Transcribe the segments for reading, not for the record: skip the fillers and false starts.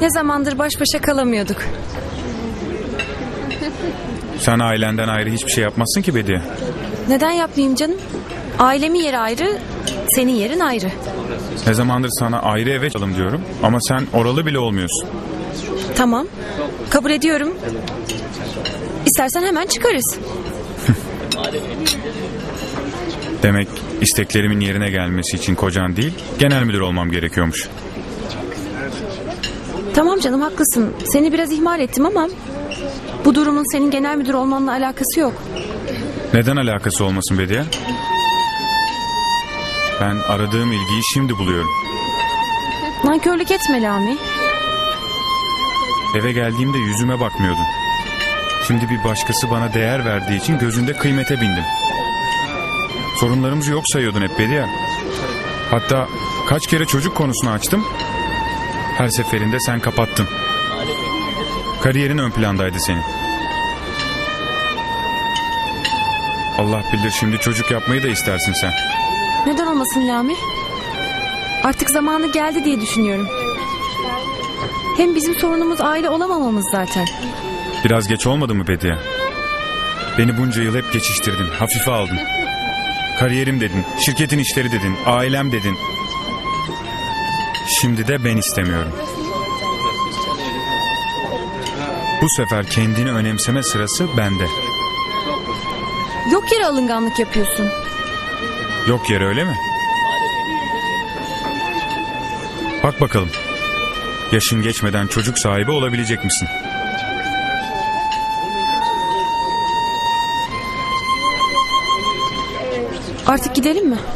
Ne zamandır baş başa kalamıyorduk. Sen ailenden ayrı hiçbir şey yapmazsın ki Bediye. Neden yapmayayım canım? Ailemin yeri ayrı, senin yerin ayrı. Ne zamandır sana ayrı eve çalalım diyorum ama sen oralı bile olmuyorsun. Tamam, kabul ediyorum. İstersen hemen çıkarız. Demek isteklerimin yerine gelmesi için kocan değil, genel müdür olmam gerekiyormuş. Tamam canım, haklısın. Seni biraz ihmal ettim ama bu durumun senin genel müdür olmanla alakası yok. Neden alakası olmasın Bediye? Ben aradığım ilgiyi şimdi buluyorum. Nankörlük etme Lami. Eve geldiğimde yüzüme bakmıyordun. Şimdi bir başkası bana değer verdiği için gözünde kıymete bindim. Sorunlarımızı yok sayıyordun hep Bediye. Hatta kaç kere çocuk konusunu açtım. Her seferinde sen kapattın. Kariyerin ön plandaydı senin. Allah bilir şimdi çocuk yapmayı da istersin sen. Neden olmasın Lami? Artık zamanı geldi diye düşünüyorum. Hem bizim sorunumuz aile olamamamız zaten. Biraz geç olmadı mı Bediye? Beni bunca yıl hep geçiştirdin, hafife aldın. Kariyerim dedin, şirketin işleri dedin, ailem dedin. Şimdi de ben istemiyorum. Bu sefer kendini önemseme sırası bende. Yok yere alınganlık yapıyorsun. Yok yere öyle mi? Bak bakalım. Yaşın geçmeden çocuk sahibi olabilecek misin? Artık gidelim mi?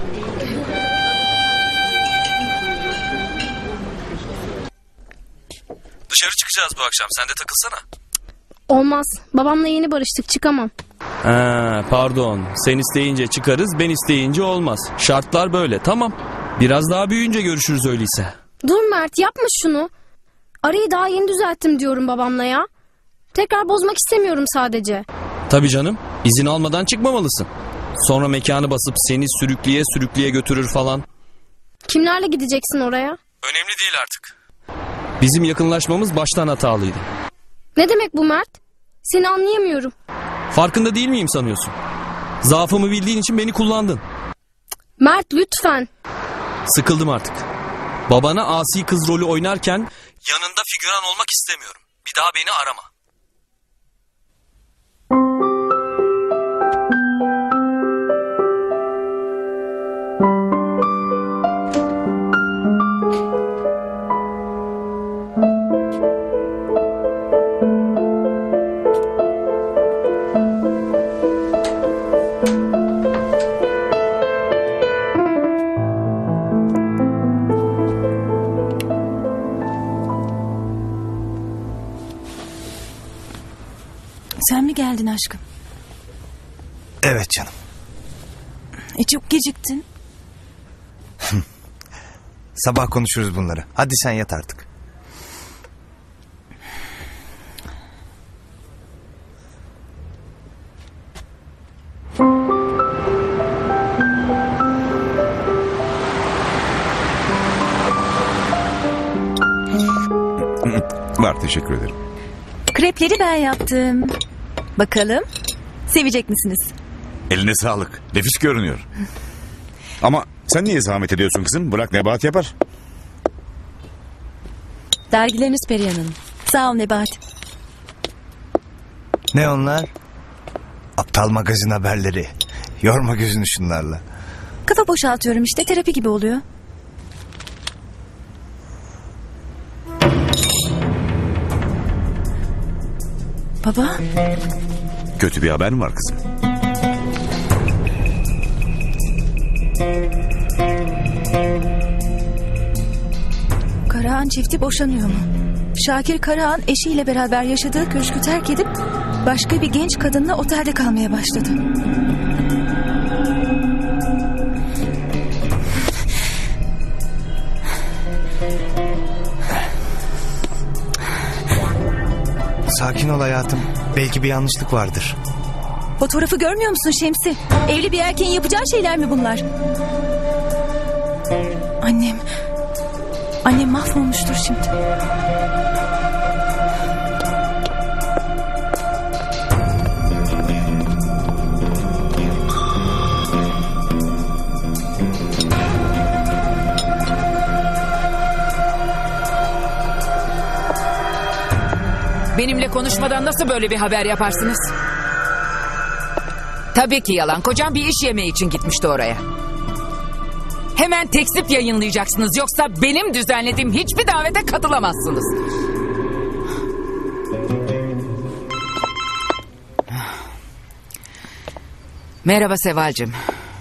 Dışarı çıkacağız bu akşam. Sen de takılsana. Olmaz. Babamla yeni barıştık, çıkamam. Pardon. Sen isteyince çıkarız, ben isteyince olmaz. Şartlar böyle, tamam. Biraz daha büyüyünce görüşürüz öyleyse. Dur Mert, yapma şunu. Arayı daha yeni düzelttim diyorum babamla ya. Tekrar bozmak istemiyorum sadece. Tabii canım. İzin almadan çıkmamalısın. Sonra mekanı basıp seni sürükleye sürükleye götürür falan. Kimlerle gideceksin oraya? Önemli değil artık. Bizim yakınlaşmamız baştan hatalıydı. Ne demek bu Mert? Seni anlayamıyorum. Farkında değil miyim sanıyorsun? Zaafımı bildiğin için beni kullandın. Mert lütfen. Sıkıldım artık. Babana asi kız rolü oynarken yanında figüran olmak istemiyorum. Bir daha beni arama. Sen mi geldin aşkım? Evet canım. Çok geciktin. Sabah konuşuruz bunları. Hadi sen yat artık. Var, teşekkür ederim. Krepleri ben yaptım. Bakalım sevecek misiniz? Eline sağlık. Nefis görünüyor. Ama sen niye zahmet ediyorsun kızım? Bırak Nebahat yapar. Dergileriniz Perihan Hanım. Sağ ol Nebahat. Ne onlar? Aptal magazin haberleri. Yorma gözünü şunlarla. Kafa boşaltıyorum işte, terapi gibi oluyor. Baba. Kötü bir haber mi var kızım? Karahan çifti boşanıyor mu? Şakir Karahan eşiyle beraber yaşadığı köşkü terk edip başka bir genç kadınla otelde kalmaya başladı. Sakin ol hayatım. Belki bir yanlışlık vardır. Fotoğrafı görmüyor musun Şemsi? Evli bir erkeğin yapacağı şeyler mi bunlar? Annem mahvolmuştur şimdi. Benimle konuşmadan nasıl böyle bir haber yaparsınız? Tabii ki yalan. Kocam bir iş yemeği için gitmişti oraya. Hemen tekzip yayınlayacaksınız. Yoksa benim düzenlediğim hiçbir davete katılamazsınız. Merhaba Seval'cim.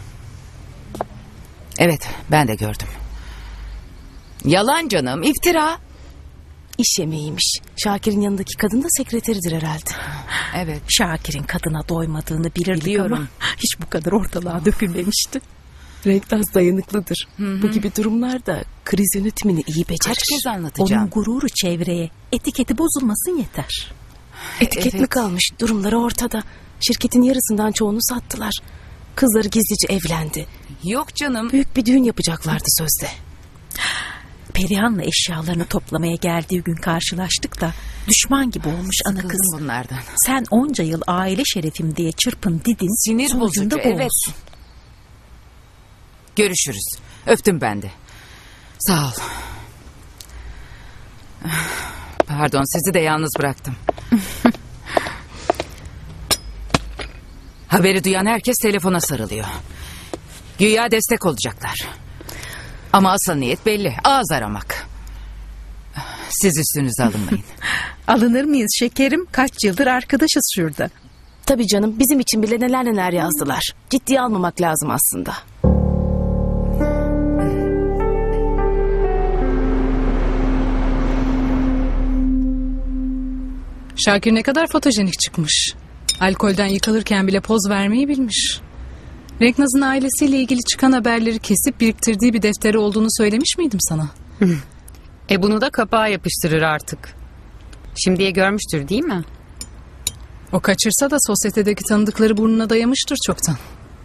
Evet, ben de gördüm. Yalan canım, iftira. İş yemeğiymiş. Şakir'in yanındaki kadın da sekreteridir herhalde. Evet. Şakir'in kadına doymadığını bilirdik Biliyorum. ama hiç bu kadar ortalığa dökülmemişti. Renktaş dayanıklıdır. Bu gibi durumlarda kriz yönetimini iyi becerir. Kaç kez anlatacağım? Onun gururu çevreye, etiketi bozulmasın yeter. Etiket mi Evet. kalmış? Durumları ortada. Şirketin yarısından çoğunu sattılar. Kızları gizlice evlendi. Yok canım. Büyük bir düğün yapacaklardı sözde. Perihan'la eşyalarını toplamaya geldiği gün karşılaştık da düşman gibi olmuş ana Sıkıldım kız. bunlardan. Sen onca yıl aile şerefim diye çırpın didin. Sinir sonucunda bozucu, bu evet. olsun. Görüşürüz. Öptüm ben de. Sağ ol. Pardon, sizi de yalnız bıraktım. Haberi duyan herkes telefona sarılıyor. Güya destek olacaklar. Ama asıl niyet belli. Ağız aramak. Siz üstünüze alınmayın. Alınır mıyız şekerim? Kaç yıldır arkadaşız şurada. Tabii canım, bizim için bile neler neler yazdılar. Ciddiye almamak lazım aslında. Şakir ne kadar fotojenik çıkmış. Alkolden yıkılırken bile poz vermeyi bilmiş. Renknaz'ın ailesiyle ilgili çıkan haberleri kesip biriktirdiği bir defteri olduğunu söylemiş miydim sana? Bunu da kapağa yapıştırır artık. Şimdiye görmüştür değil mi? O kaçırsa da sosyetedeki tanıdıkları burnuna dayamıştır çoktan.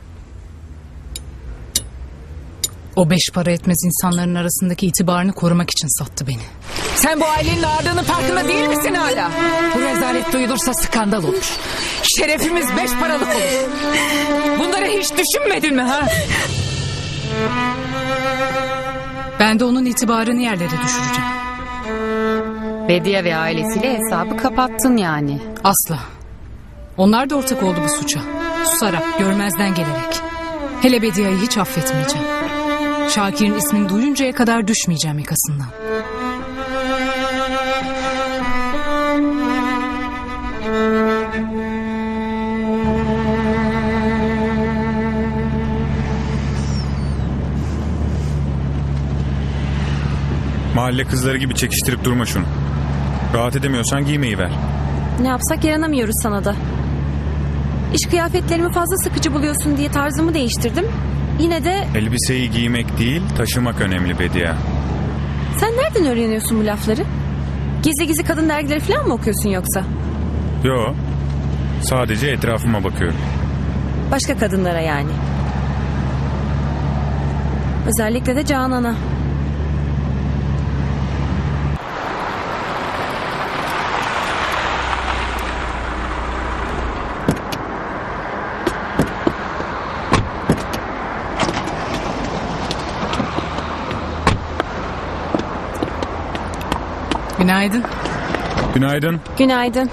O beş para etmez insanların arasındaki itibarını korumak için sattı beni. Sen bu ailenin ağırlığının farkında değil misin hala? Bu rezalet duyulursa skandal olur. Şerefimiz beş paralık olur. Bunları hiç düşünmedin mi ha? Ben de onun itibarını yerlere düşüreceğim. Bediye ve ailesiyle hesabı kapattın yani. Asla. Onlar da ortak oldu bu suça. Susarak, görmezden gelerek. Hele Bediye'yi hiç affetmeyeceğim. Şakir'in ismini duyuncaya kadar düşmeyeceğim yakasından. Mahalle kızları gibi çekiştirip durma şunu. Rahat edemiyorsan giymeyi ver. Ne yapsak yaranamıyoruz sana da. İş kıyafetlerimi fazla sıkıcı buluyorsun diye tarzımı değiştirdim. Yine de Elbiseyi giymek değil, taşımak önemli Bediye. sen nereden öğreniyorsun bu lafları? Gizli gizli kadın dergileri falan mı okuyorsun yoksa? Yo, sadece etrafıma bakıyorum. Başka kadınlara yani. Özellikle de Canan'a. Günaydın. Günaydın. Günaydın.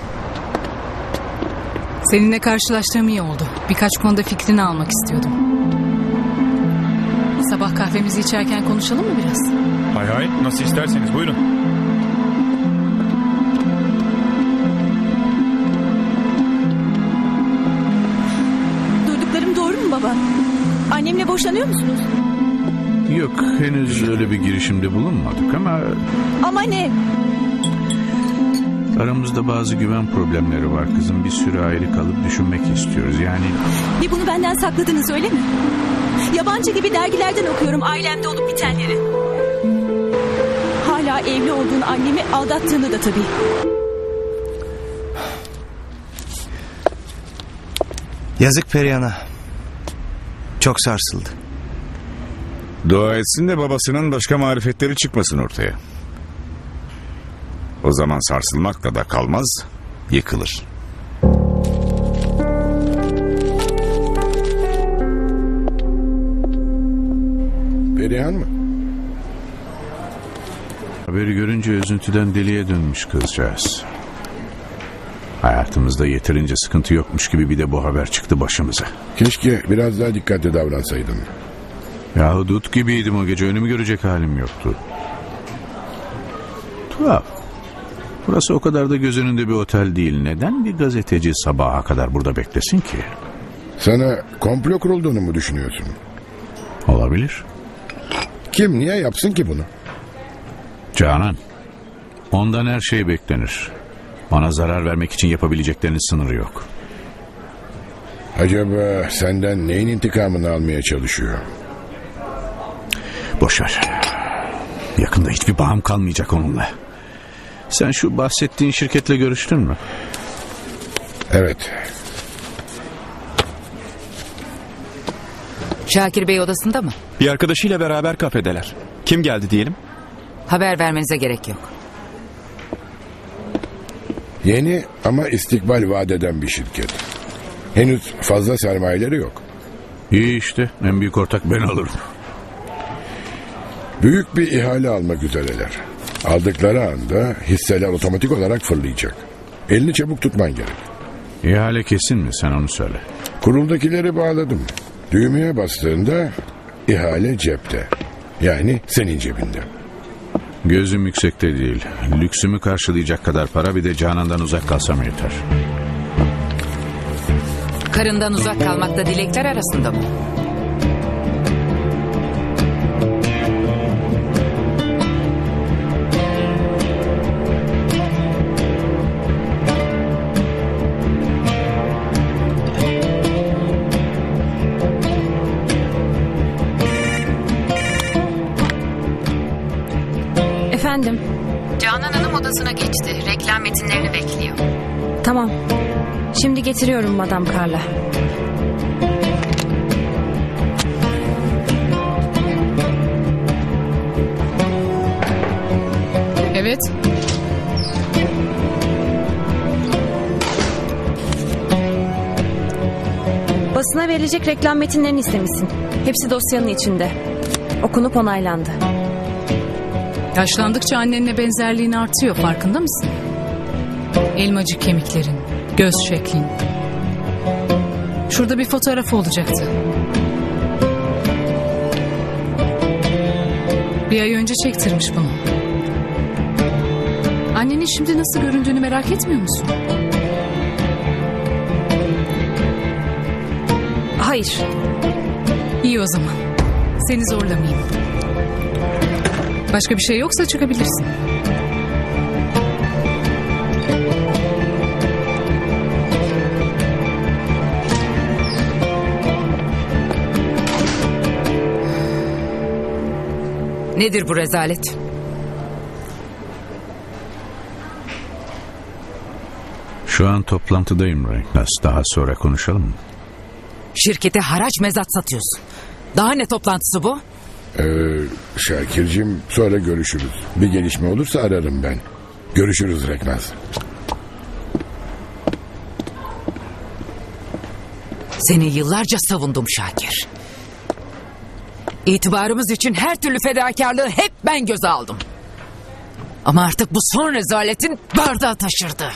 Seninle karşılaştığım iyi oldu. Birkaç konuda fikrini almak istiyordum. Sabah kahvemizi içerken konuşalım mı biraz? Hay hay, nasıl isterseniz buyurun. Duyduklarım doğru mu baba? Annemle boşanıyor musunuz? Yok, henüz öyle bir girişimde bulunmadık ama Ama ne? aramızda bazı güven problemleri var kızım. Bir süre ayrı kalıp düşünmek istiyoruz. Yani Bir bunu benden sakladınız öyle mi? Yabancı gibi dergilerden okuyorum ailemde olup bitenleri. Hala evli olduğun annemi aldattığını da tabii. Yazık Perihan'a. Çok sarsıldı. Dua etsin de babasının başka marifetleri çıkmasın ortaya. O zaman sarsılmakla da kalmaz, yıkılır. Perihan mı? Haberi görünce üzüntüden deliye dönmüş kızcağız. hayatımızda yeterince sıkıntı yokmuş gibi bir de bu haber çıktı başımıza. Keşke biraz daha dikkatli davransaydın. Yahu dut gibiydim o gece, önümü görecek halim yoktu. Tuhaf. Burası o kadar da göz önünde bir otel değil. Neden bir gazeteci sabaha kadar burada beklesin ki? Sana komplo kurulduğunu mu düşünüyorsun? Olabilir. Kim niye yapsın ki bunu? Canan. Ondan her şey beklenir. Ona zarar vermek için yapabileceklerinin sınırı yok. Acaba senden neyin intikamını almaya çalışıyor? Boşver. Yakında hiçbir bağım kalmayacak onunla. Sen şu bahsettiğin şirketle görüştün mü? Evet. Şakir Bey odasında mı? Bir arkadaşıyla beraber kafedeler. Kim geldi diyelim? Haber vermenize gerek yok. Yeni ama istikbal vaat eden bir şirket. Henüz fazla sermayeleri yok. İyi işte, en büyük ortak ben alırım. Büyük bir ihale almak üzereler. Aldıkları anda hisseler otomatik olarak fırlayacak. Elini çabuk tutman gerek. İhale kesin mi, sen onu söyle. Kuruldakileri bağladım. Düğmeye bastığında ihale cepte. Yani senin cebinde. Gözüm yüksekte değil. Lüksümü karşılayacak kadar para, bir de Canan'dan uzak kalsam yeter. Karından uzak kalmak da dilekler arasında mı? Efendim? Canan Hanım odasına geçti. Reklam metinlerini bekliyor. Tamam. Şimdi getiriyorum Madame Carla. Evet. Basına verilecek reklam metinlerini istemişsin. Hepsi dosyanın içinde. Okunup onaylandı. Yaşlandıkça annenle benzerliğin artıyor, farkında mısın? Elmacık kemiklerin, göz şeklin. Şurada bir fotoğraf olacaktı. Bir ay önce çektirmiş bunu. Annenin şimdi nasıl göründüğünü merak etmiyor musun? Hayır. İyi o zaman. Seni zorlamayayım. Başka bir şey yoksa çıkabilirsin. Nedir bu rezalet? Şu an toplantıdayım Renknas. Daha sonra konuşalım mı? Şirkete haraç mezat satıyorsun. Daha ne toplantısı bu? Şakir'cim, sonra görüşürüz. Bir gelişme olursa ararım ben. Görüşürüz Reknaz. Seni yıllarca savundum Şakir. İtibarımız için her türlü fedakarlığı hep ben göze aldım. Ama artık bu son rezaletin bardağı taşırdı.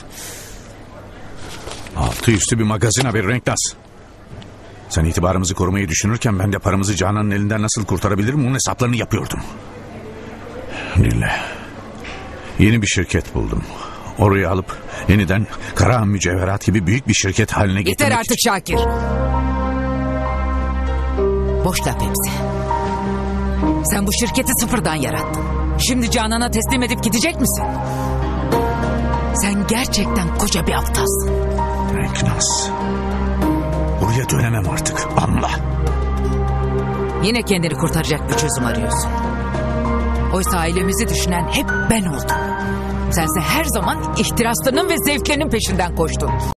Altı üstü bir magazin haberi Renknas. Sen itibarımızı korumayı düşünürken ben de paramızı Canan'ın elinden nasıl kurtarabilirim bunun hesaplarını yapıyordum. Dinle. Yeni bir şirket buldum. Orayı alıp yeniden Karahan Mücevherat gibi büyük bir şirket haline getirmek Yeter artık için... Şakir. Boş laf hepsi. Sen bu şirketi sıfırdan yarattın. Şimdi Canan'a teslim edip gidecek misin? Sen gerçekten koca bir aptalsın. Renknas. Buraya dönemem artık. Anla. Yine kendini kurtaracak bir çözüm arıyorsun. Oysa ailemizi düşünen hep ben oldum. Sense her zaman ihtiraslarının ve zevklerinin peşinden koştun.